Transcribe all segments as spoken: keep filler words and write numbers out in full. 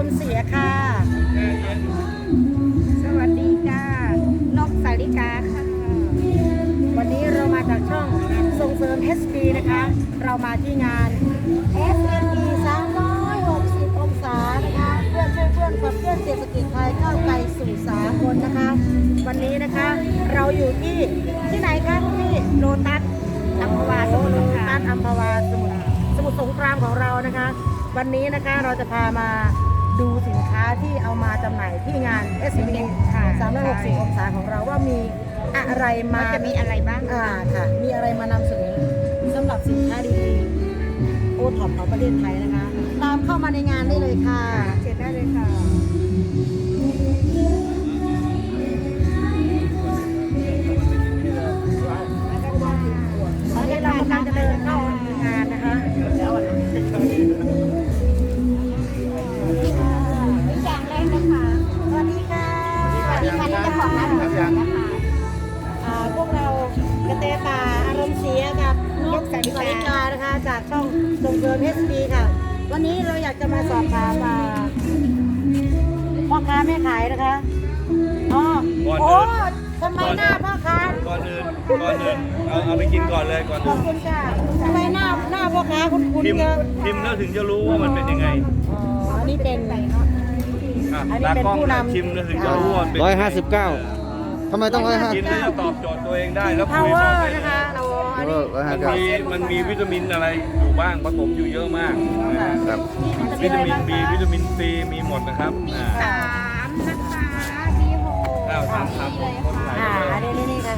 ณ์เสียค่ะสวัสดีจ้านกสาลิกาค่ะวันนี้เรามาจากช่องส่งเสริม เอส บี นะคะเรามาที่งาน เอส เอ็ม อี สามร้อยหกสิบองศานะคะเพื่อนช่วยเพื่อนขับเคลื่อนเศรษฐกิจไทยก้าวไกลสู่สากลนะคะวันนี้นะคะเราอยู่ที่ที่ไหนคะคุณพี่โลตัสอัมพวาสมุทรสงครามอัมพวาสมุทรสมุทรสงครามของเรานะคะวันนี้นะคะเราจะพามาดูสินค้าที่เอามาจำหน่ายที่งาน เอส บี สามร้อยหกสิบองศาของเราว่ามีอะไรมาจะมีอะไรบ้างอ่าค่ะมีอะไรมานำเสนอสำหรับสินค้าดีๆโอท็อปของประเทศไทยนะคะตามเข้ามาในงานได้เลยค่ะเชิญได้เลยค่ะตอนนี้เรากำลังจะเดินเข้างานนะคะอย่างแรกนะคะสวัสดีค่ะสวัสดีค่ะที่จะขอร้านนะคะพวกเรากระเตตาอารมณ์เสียกับนกแสงสาริกานะคะจากช่องส่งเสริม เอส บี ค่ะวันนี้เราอยากจะมาสอบถามพ่อค้าแม่ขายนะคะอ๋อโอ้ทำไมหน้าพ่อค้าก่อนอื่นก่อนอื่นเอาเอาไปกินก่อนเลยก่อนขอบคุณค่ะทำไมหน้าหน้าพ่อค้าคุณคุณพิมพ์เยอะพิมพ์แล้วถึงจะรู้ว่ามันเป็นยังไงอ๋ออันนี้เป็นไหนเนาะอันนี้เป็นผู้นำชิมแล้วถึงจะรู้ว่าเป็นร้อยห้าสิบเก้าทำไมต้องร้อยห้ากินแล้วจะตอบโจทย์ตัวเองได้แล้วคุย power ได้นะคะเราอันนี้มันมีมันมีวิตามินอะไรอยู่บ้างผสมอยู่เยอะมากนะครับวิตามิน B วิตามิน C มีหมดนะครับอ่าสามนะคะมีหกข้าวสามสามคนขายอ่าเลยอันนี้นี่นี่ค่ะ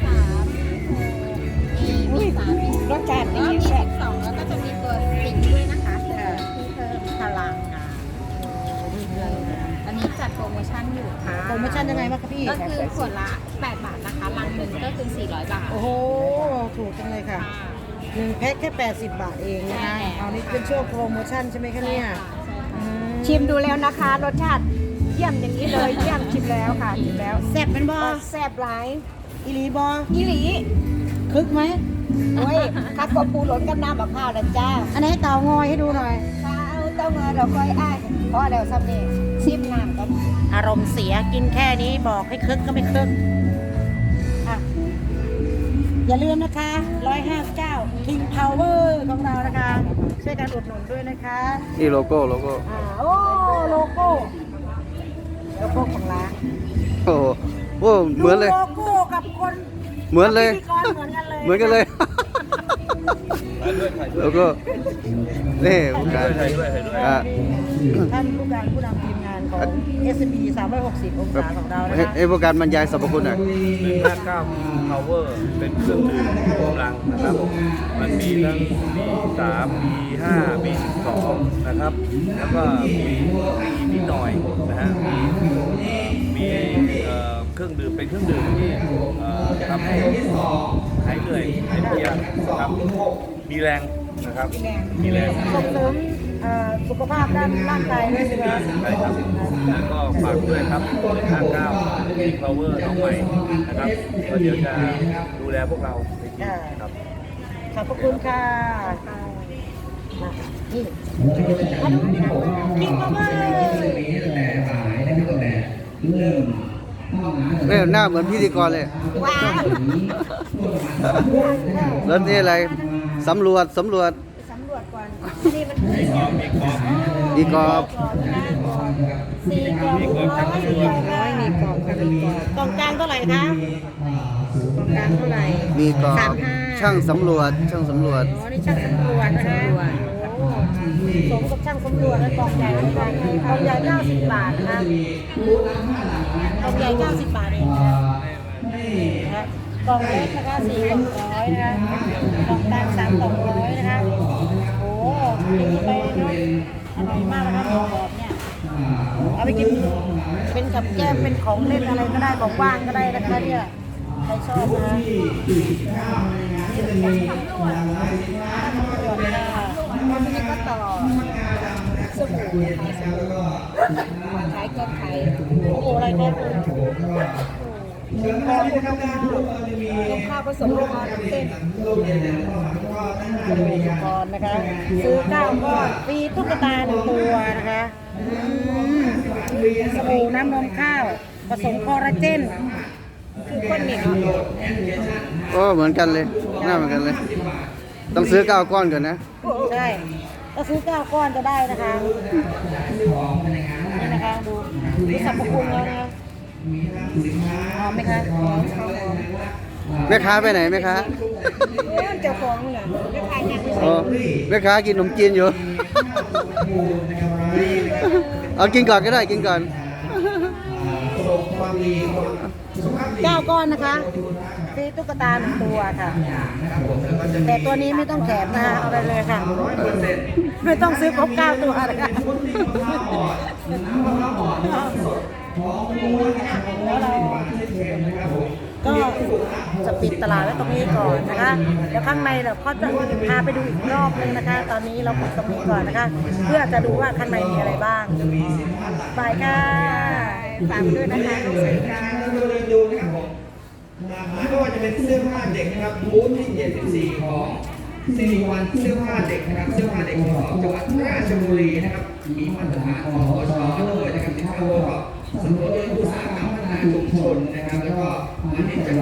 มีสามมีรสชาติดีแซ่บสองแล้วก็จะมีตัวสิงด้วยนะคะที่เพิ่มพลังงานอันนี้จัดโปรโมชั่นอยู่ค่ะโปรโมชั่นยังไงบ้างคะพี่ก็คือขวดละแปดบาทนะคะลังหนึ่งก็คือสี่ร้อยบาทโอ้โหถูกจังเลยค่ะหนึ่งแพ็คแค่แปดสิบบาทเองนะคะเอานี่เป็นช่วงโปรโมชั่นใช่ไหมคะเนี่ยชิมดูแล้วนะคะรสชาติเยี่ยมอย่างนี้เลยเยี่ยมชิมแล้วค่ะชิมแล้วแซ่บเป็นบอแซ่บหลายอีหลีบออีหลีคึกไหมโอ้ยคัดกบปูหล่นกับน้ำกับข้าวนะจ้าอันนี้เต่างอยให้ดูหน่อยข้าวเต่างอยเราค่อยอ้ายเพราะเดี๋ยวซับนี่ชิมน้ำกันอารมณ์เสียกินแค่นี้บอกให้คึกก็ไม่คึกอ่ะอย่าลืมนะคะหนึ่งร้อยห้าสิบเก้า King Power ของเรานะคะช่วยกันอุดหนุนด้วยนะคะนี่โลโก้โลโก้อ่าโอ้โลโก้โลโก้ของร้านโอ้โหโอ้เหมือนเลยโลโก้กับคนเหมือนเลยพิธีกรเหมือนกันเลยเหมือนกันเลยโลโก้นี่ผู้การถ่ายด้วยถ่ายด้วยอ่ะท่านผู้การผู้นำทีมงานของ เอส บี สามร้อยหกสิบองศาของเรานะให้คะให้ผู้การบรรยายสรรพคุณหน่อยหนึ่งห้าเก้า Power เป็นเครื่องดื่มกำลังนะครับมันมีทั้ง บี สาม บี ห้า บี สิบสอง นะครับแล้วก็มีมีนิดหน่อยนะฮะมีมีเอ่อเครื่องดื่มเป็นเครื่องดื่มที่เอ่อทำให้หายเหนื่อยหายเพลียนะครับมีแรงนะครับมีแรงส่งเสริมเอ่อสุขภาพด้านร่างกายด้วยใช่ไหมใช่ครับแล้วก็ฝากด้วยครับหนึ่งห้าเก้า King Power น้องใหม่นะครับก็เดี๋ยวจะดูแลพวกเราในทีมครับขอบพระคุณค่ะนี่กินมาเมื่อเอ้ยหน้าเหมือนพิธีกรเลยว้าวแล้วนี่อะไรสำรวจสำรวจสำรวจก่อนนี่มันคือดีกรอบสี่กล่องร้อยสี่กล่องร้อยมีกล่องค่ะมีกล่องกล่องกลางเท่าไหร่คะกล่องกลางเท่าไหร่มีกรอสาบมห้าช่างสำรวจช่างสำรวจอ๋อนี่ช่างสำรวจนะคะโอ้สมกับช่างสำรวจและกล่องใหญ่แล้วกันกล่องใหญ่เก้าสิบบาทนะคะกล่องใหญ่เก้าสิบบาทเองนะคะกล่องเล็กนะคะสี่กล่องร้อยนะคะกล่องกลางสามกล่องร้อยนะคะโอ้ดีไปเนาะอร่อยมากนะคะกรอบเนี่ยเอาไปกินเป็นกับแก้มเป็นของเล่นอะไรก็ได้ของว่างก็ได้นะคะเนี่ยใครชอบนะวันนี้ก็ต่อสบู่ขายสบู่ขายก็ขายโอ้โหอะไรเนี่ยหมูกรอบนมข้าวต้มข้าวผสมโลคอร์เต้นก่อนนะคะซื้อเก้าก้อนฟรีตุ๊กตาหนึ่งตัวนะคะอืมสบู่น้ำนมข้าวผสมคอลลาเจนคือคนเหนียวโอ้เหมือนกันเลยหน้าเหมือนกันเลย ต้องซื้อเก้าก้อนก่อนนะใช่ก็ซื้อเก้าก้อนจะได้นะคะนี่นะคะดูดูสรรพคุณแล้วนะคะหอมไหมคะหอมแม่ค้าไปไหนแม่ค้าเอ้ยเจ้าของเนี่ยไม่ขายเนี่ยอ๋อแม่ค้ากินขนมจีนอยู่ เอากินก่อนก็ได้กินก่อนเก้าก้อนนะคะฟรีตุ๊กตาหนึ่งตัวค่ะ แต่ตัวนี้ไม่ต้องแถมนะคะเอาไปเลยค่ะ ไม่ต้องซื้อครบเก้าตัวนะคะแล้วเราก็จะปิดตลาดไว้ตรงนี้ก่อนนะคะเดี๋ยวข้างในเราก็จะพาไปดูอีกรอบนึงนะคะ ตอนนี้เราปิดตรงนี้ก่อนนะคะ เพื่อจะดูว่าข้างในมีอะไรบ้างบายค่ะฝากด้วยนะคะลูกศิษย์ค่ะดูนะครับผมไม่ว่าจะเป็นเสื้อผ้าเด็กนะครับบูธที่เจ็ดสิบสี่ของสิริวัลเสื้อผ้าเด็กนะครับเสื้อผ้าเด็กของจังหวัดราชบุรีนะครับมีมาตรฐานของอชด้วยนะครับที่เข้าร่วมกับสำรวจอุตสาหกรรมพัฒนาชุมชนนะครับแล้วก็อันนี้จะ